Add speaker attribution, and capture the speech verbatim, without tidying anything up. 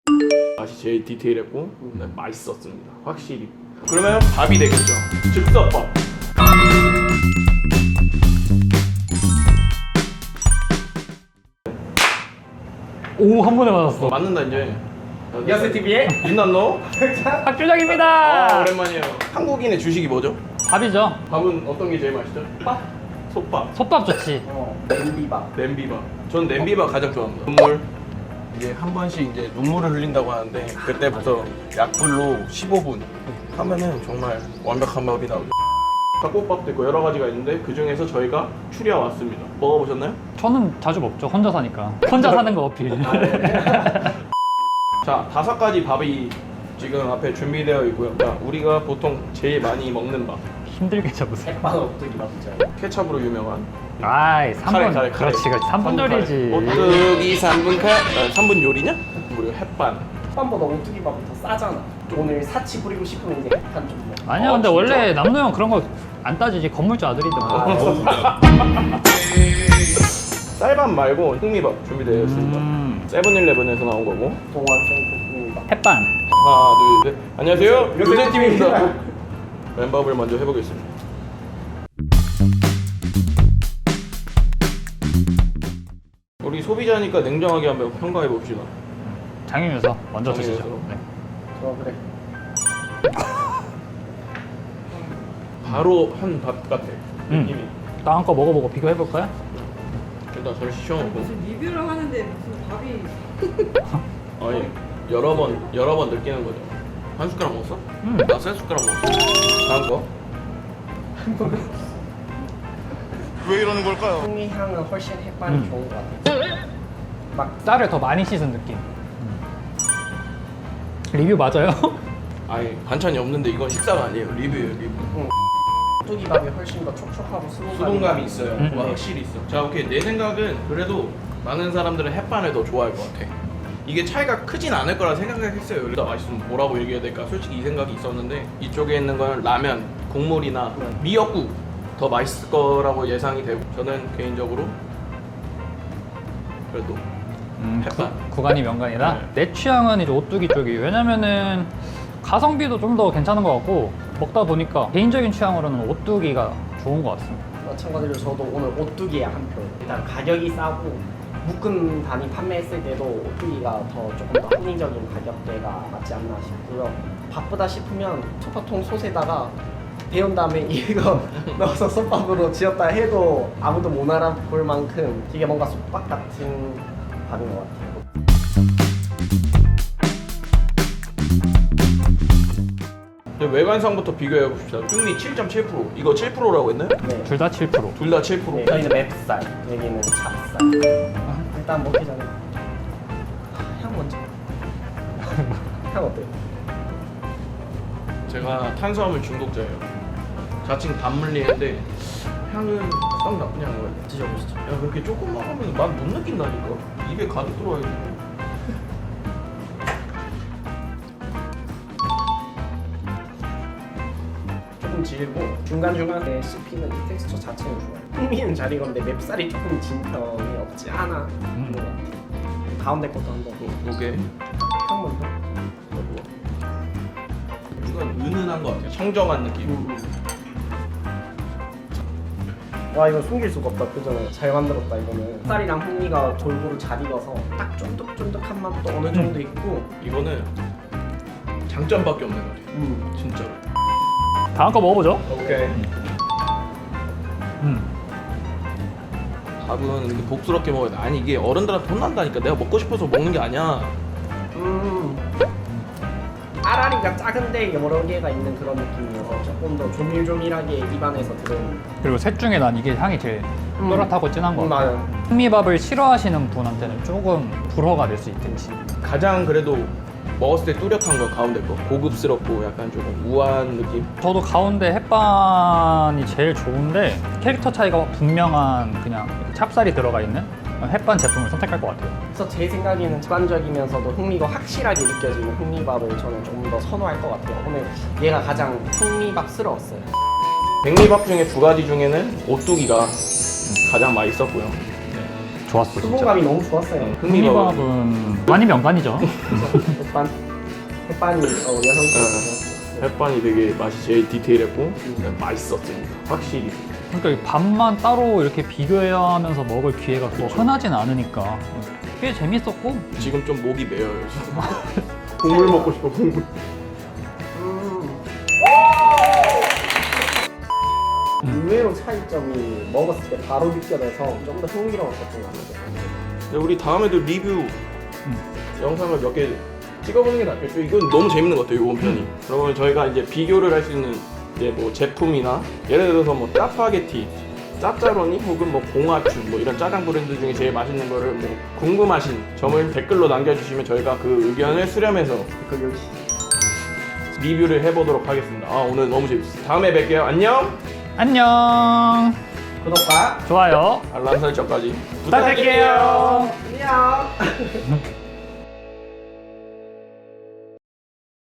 Speaker 1: 맛이 제일 디테일했고 네, 맛있었습니다. 확실히. 그러면 밥이 되겠죠. 즉석밥.
Speaker 2: 오, 한 번에 맞았어.
Speaker 1: 어, 맞는다 이제.
Speaker 3: 여스티비의
Speaker 1: 윤난노.
Speaker 2: 박주정입니다.
Speaker 1: 아 오랜만이에요. 한국인의 주식이 뭐죠?
Speaker 2: 밥이죠.
Speaker 1: 밥은 어떤 게 제일 맛있죠?
Speaker 3: 밥?
Speaker 1: 솥밥.
Speaker 2: 솥밥 좋지.
Speaker 3: 어, 냄비밥.
Speaker 1: 냄비밥. 전 냄비밥 가장 좋아합니다. 눈물. 이게 한 번씩 이제 눈물을 흘린다고 하는데 그때부터 약불로 십오 분 하면은 정말 완벽한 밥이 나오죠. 닭볶밥도 있고 여러 가지가 있는데 그 중에서 저희가 추려 왔습니다. 먹어보셨나요?
Speaker 2: 저는 자주 먹죠. 혼자 사니까. 혼자 사는 거 어필.
Speaker 1: 자, 다섯 가지 밥이 지금 앞에 준비되어 있고요. 자, 우리가 보통 제일 많이 먹는 밥.
Speaker 2: 힘들게 잡으세요.
Speaker 3: 핵반 엎드기 밥이죠.
Speaker 1: 케찹으로 유명한
Speaker 2: 아이, 삼 분.
Speaker 1: 카레, 카레, 카레.
Speaker 2: 그렇지, 그렇지. 삼 분 요리지.
Speaker 1: 오뚜기 삼 분 카, 아, 삼 분 요리냐? 그리고 햇반.
Speaker 3: 핵반보다 오뚜기 밥이 더 싸잖아. 오늘 사치 부리고 싶으면 이제 핵반 좀 먹어.
Speaker 2: 아니야,
Speaker 1: 어,
Speaker 2: 근데
Speaker 1: 진짜?
Speaker 2: 원래 남노 형 그런 거 안 따지지. 건물주 아들이든 뭐.
Speaker 1: 쌀밥 말고 흑미밥 준비되어 있습니다.
Speaker 2: 음.
Speaker 1: 세븐일레븐에서 나온 거고.
Speaker 3: 동안생 볶음밥.
Speaker 2: 햇반.
Speaker 1: 하나, 둘, 셋. 안녕하세요.
Speaker 3: 요새
Speaker 1: 요새팀입니다. 맨밥을 먼저 해보겠습니다. 우리 소비자니까 냉정하게 한번 평가해 봅시다.
Speaker 2: 장윤유서 먼저
Speaker 1: 장윤유서.
Speaker 2: 드시죠. 네.
Speaker 3: 어 그래.
Speaker 1: 바로 한 밥 같아.
Speaker 2: 음.
Speaker 1: 느낌이.
Speaker 2: 다음 거 먹어보고 비교해볼까요?
Speaker 1: 일단 저를 시켜놓고.
Speaker 4: 무슨 리뷰를 하는데 무슨 밥이
Speaker 1: 아니 여러 번 여러 번 느끼는 거죠. 한 숟가락 먹었어?
Speaker 2: 음.
Speaker 1: 나 세 숟가락 먹었어. 다음 거. 왜 이러는 걸까요?
Speaker 3: 풍미 향은 훨씬 핵반이
Speaker 2: 음.
Speaker 3: 좋은 것 같아. 막
Speaker 2: 쌀을 더 많이 씻은 느낌. 음. 리뷰 맞아요?
Speaker 1: 아니 반찬이 없는데 이건 식사가 아니에요. 리뷰예요 리뷰.
Speaker 3: 오뚜기 밥이 훨씬 더 촉촉하고 수분감이,
Speaker 1: 수동감이 있어요.
Speaker 2: 음.
Speaker 1: 와, 확실히 있어. 자, 오케이. 내 생각은 그래도 많은 사람들은 햇반을 더 좋아할 것 같아. 이게 차이가 크진 않을 거라 생각했어요. 일단 맛있으면 뭐라고 얘기해야 될까? 솔직히 이 생각이 있었는데 이쪽에 있는 건 라면, 국물이나 미역국 더 맛있을 거라고 예상이 되고 저는 개인적으로 그래도
Speaker 2: 음,
Speaker 1: 햇반.
Speaker 2: 구, 구간이 명간이다.
Speaker 1: 네.
Speaker 2: 내 취향은 이제 오뚜기 쪽이. 왜냐면은 가성비도 좀 더 괜찮은 것 같고 먹다 보니까 개인적인 취향으로는 오뚜기가 좋은 것 같습니다.
Speaker 3: 마찬가지로 저도 오늘 오뚜기에 한 표. 일단 가격이 싸고 묶음 단위 판매했을 때도 오뚜기가 더 조금 더 합리적인 가격대가 맞지 않나 싶고요. 바쁘다 싶으면 소파통 솥에다가 데운 다음에 이거 넣어서 솥밥으로 지었다 해도 아무도 못 알아볼 만큼 되게 뭔가 솥밥 같은 밥인 것 같아요.
Speaker 1: 근데 외관상부터 비교해 봅시다. 흑미 칠 점 칠 퍼센트. 이거 칠 퍼센트라고 했나요?
Speaker 3: 네.
Speaker 2: 둘 다 칠 퍼센트.
Speaker 1: 둘 다 칠
Speaker 3: 네,
Speaker 1: 퍼센트.
Speaker 3: 저희는 맵쌀, 여기는 찹쌀. 일단 먹기 전에 향 먼저. 향 어때요?
Speaker 1: 제가 탄수화물 중독자예요. 자칭 단물리인데 향은 썩 나쁘지 않은 것 같아요.
Speaker 3: 드셔보시죠.
Speaker 1: 야 그렇게 조금 먹으면 맛 못 느낀다니까. 입에 가득 들어와야지.
Speaker 3: 조금 질고 중간중간에 씹히는 이 텍스처 자체는 좋아요. 흥미는 잘 익었는데 맵쌀이 조금 진 편이 없지 않아 있는 것 같아요. 가운데 것도 한번
Speaker 1: 오케이.
Speaker 3: 향 먼저.
Speaker 1: 이건 은은한 것 같아요. 청정한 느낌.
Speaker 3: 와 이거 숨길 수가 없다. 그죠? 잘 만들었다 이거는. 쌀이랑 흥미가 골고루 잘 익어서 딱 쫀득쫀득한 맛도 어느 정도 있고.
Speaker 1: 이거는 장점밖에 없는 것 같아요.
Speaker 3: 음.
Speaker 1: 진짜로.
Speaker 2: 다음 거 먹어보죠.
Speaker 1: 오케이.
Speaker 2: 음.
Speaker 1: 밥은 이렇게 복스럽게 먹어야 돼. 아니 이게 어른들한테 혼난다니까. 내가 먹고 싶어서 먹는 게 아니야.
Speaker 3: 음. 알알이가 작은데 여러 개가 있는 그런 느낌이어서 조금 더 조밀조밀하게 입안에서 들어오는.
Speaker 2: 그리고 셋 중에 난 이게 향이 제일
Speaker 3: 음.
Speaker 2: 또렷하고 진한 것
Speaker 3: 음,
Speaker 2: 같아요.
Speaker 3: 맞아요.
Speaker 2: 흑미밥을 싫어하시는 분한테는 조금 불허가 될 수 있겠지.
Speaker 1: 가장 그래도 먹었을 때 뚜렷한 거 가운데 거. 고급스럽고 약간 조금 우아한 느낌.
Speaker 2: 저도 가운데 햇반이 제일 좋은데 캐릭터 차이가 분명한 그냥 찹쌀이 들어가 있는 햇반 제품을 선택할 것 같아요.
Speaker 3: 그래서 제 생각에는 직관적이면서도 흥미가 확실하게 느껴지는 흥미밥을 저는 조금 더 선호할 것 같아요. 오늘 얘가 가장 흥미밥스러웠어요.
Speaker 1: 백미밥 중에 두 가지 중에는 오뚜기가 가장 맛있었고요.
Speaker 2: 좋았어 진짜.
Speaker 3: 수분감이 너무 좋았어요.
Speaker 1: 흥미가
Speaker 2: 흥미밥은 많이 명반이죠.
Speaker 3: 햇반 햇반이 어, 여성스러워서
Speaker 1: 햇반이 되게 맛이 제일 디테일했고 맛있었습니다. 확실히.
Speaker 2: 그러니까 이 밥만 따로 이렇게 비교해야 하면서 먹을 기회가 또
Speaker 1: 그쵸.
Speaker 2: 흔하진 않으니까 꽤 재밌었고.
Speaker 1: 지금 좀 목이 메어요. 지금. 국물 먹고 싶어 국물.
Speaker 3: 의외로 차이점이 먹었을 때 바로 느껴져서 좀 더 흥미로웠었던 것 같아요.
Speaker 1: 근데 우리 다음에도 리뷰 영상을 몇 개 찍어보는 게 낫겠죠. 이건 너무 재밌는 것 같아요. 이번 편이. 그러면 저희가 이제 비교를 할 수 있는 이제 뭐 제품이나 예를 들어서 뭐 짜파게티, 짭짜로니 혹은 뭐 봉화춘 뭐 이런 짜장 브랜드 중에 제일 맛있는 거를 뭐 궁금하신 점을 댓글로 남겨주시면 저희가 그 의견을 수렴해서
Speaker 3: 그 역시
Speaker 1: 리뷰를 해보도록 하겠습니다. 아 오늘 너무 재밌었어요. 다음에 뵐게요. 안녕.
Speaker 2: 안녕.
Speaker 3: 구독과
Speaker 2: 좋아요.
Speaker 1: 알람 설정까지
Speaker 2: 부탁드릴게요.
Speaker 3: 안녕.